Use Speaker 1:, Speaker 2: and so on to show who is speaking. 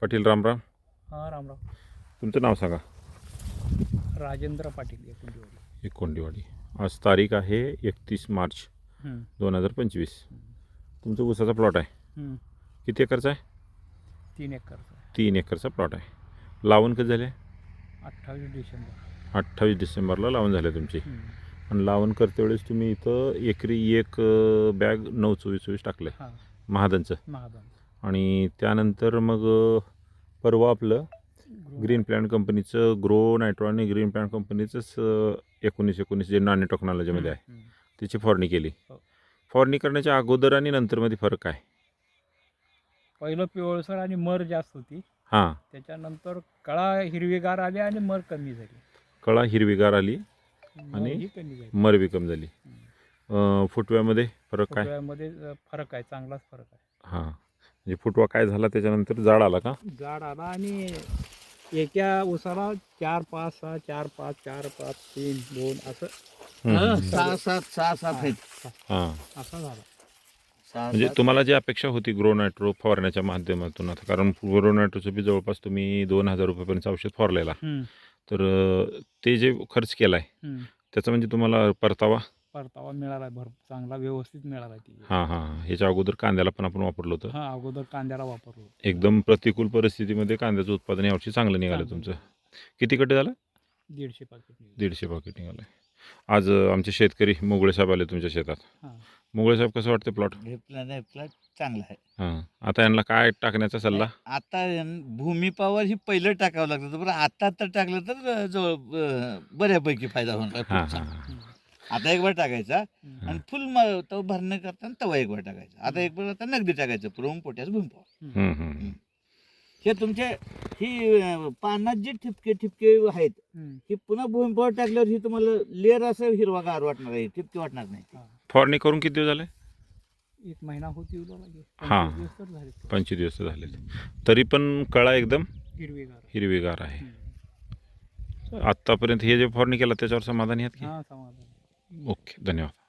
Speaker 1: पाटील रामराम.
Speaker 2: हां रामराव.
Speaker 1: तुमचं नाव सांगा.
Speaker 2: राजेंद्र पाटील एकुंडीवाडी.
Speaker 1: एकोंडीवाडी. आज तारीख आहे 31 मार्च 2025. तुमचा ऊसाचा प्लॉट आहे. किती एकरचा आहे?
Speaker 2: 3 एकरचा.
Speaker 1: 3 एकरचा प्लॉट आहे. लावण कधी झाले?
Speaker 2: 28 डिसेंबर.
Speaker 1: 28 डिसेंबरला लावण झाले तुमची. आणि लावण करते वेळेस तुम्ही इथं एकरी एक बॅग 9-24-24 टाकलं आहे महादनचं. आणि त्यानंतर मग परवा आपलं ग्रीन प्लॅन कंपनीचं ग्रो नायट्रो आणि ग्रीन प्लॅन कंपनीचंच 19-19 जे नॅनो टेक्नॉलॉजीमध्ये आहे त्याची फवारणी केली. फवारणी करण्याच्या अगोदर आणि नंतरमध्ये फरक आहे?
Speaker 2: पहिलं पिवळसर आणि मर जास्त होती.
Speaker 1: हां.
Speaker 2: त्याच्यानंतर कळा हिरवीगार आली आणि मर कमी झाली.
Speaker 1: कळा हिरवीगार आली आणि
Speaker 2: कमी झाली,
Speaker 1: मर बी कमी झाली. फुटव्यामध्ये फरक काय?
Speaker 2: फुटव्यामध्ये फरक आहे, चांगलाच फरक आहे.
Speaker 1: हां, म्हणजे फुटवा काय झाला त्याच्यानंतर जाड आला का?
Speaker 2: जाड आला आणि एका उसाला 4-5-6 4-5 4-5 3-2 असं
Speaker 3: 6-7 आहेत.
Speaker 1: हां,
Speaker 2: असा झाला.
Speaker 1: म्हणजे तुम्हाला जी अपेक्षा होती ग्रो नायट्रो फवारण्याच्या माध्यमातून, आता कारण ग्रो नायट्रोचं बी जवळपास तुम्ही 2,000 रुपयापर्यंत औषध फवारलेला, तर ते जे खर्च केला आहे त्याचा म्हणजे तुम्हाला परतावा
Speaker 2: मिळाला, चांगला व्यवस्थित मिळाला ती.
Speaker 1: हां हां. ह्याच्या अगोदर कांद्याला पण आपण वापरलं होतं.
Speaker 2: हां, अगोदर कांद्याला वापरलो.
Speaker 1: एकदम प्रतिकूल परिस्थितीमध्ये कांद्याचं उत्पादन यावर्षी चांगलं निघालं तुमचं. किती कट्टे झालं?
Speaker 2: 150 पाकिट.
Speaker 1: 150 पाकिट निघालं. आज आमचे शेतकरी मोगळे साहेब आले तुमच्या शेतात. मोगळे साहेब, कसं वाटतं प्लॉट?
Speaker 3: प्लॉट चांगला आहे.
Speaker 1: हां. आता यांना काय टाकण्याचा सल्ला?
Speaker 3: आता भूमी पॉवर ही पहिलं टाकावं लागतं, पण आता तर टाकलं तर जवळ बऱ्यापैकी फायदा होणार.
Speaker 1: हां हां.
Speaker 3: आता एक बार टाकायचा आणि फुल तो भरणं करताना तवा एक बार टाकायचा. आता एक बार आता नगदी टाकायचं प्रोम पोटॅश भूमी पॉवर. हे तुमचे ही पानात जे ठिपके आहेत ही पुन्हा भूमी पॉवर टाकल्यावर ही तुम्हाला लेअर असं हिरवागार वाटणार आहे, ठिपके वाटणार नाही.
Speaker 1: फवारणी करून किती दिवस झाले?
Speaker 2: 1 महिना होती.
Speaker 1: हां, 25 दिवस झाले. तरी पण कळा एकदम हिरवीगार आहे. आत्तापर्यंत हे जे फवारणी केला त्याच्यावर समाधानी आहात की?
Speaker 2: हां, समाधान.
Speaker 1: ओके, धन्यवाद.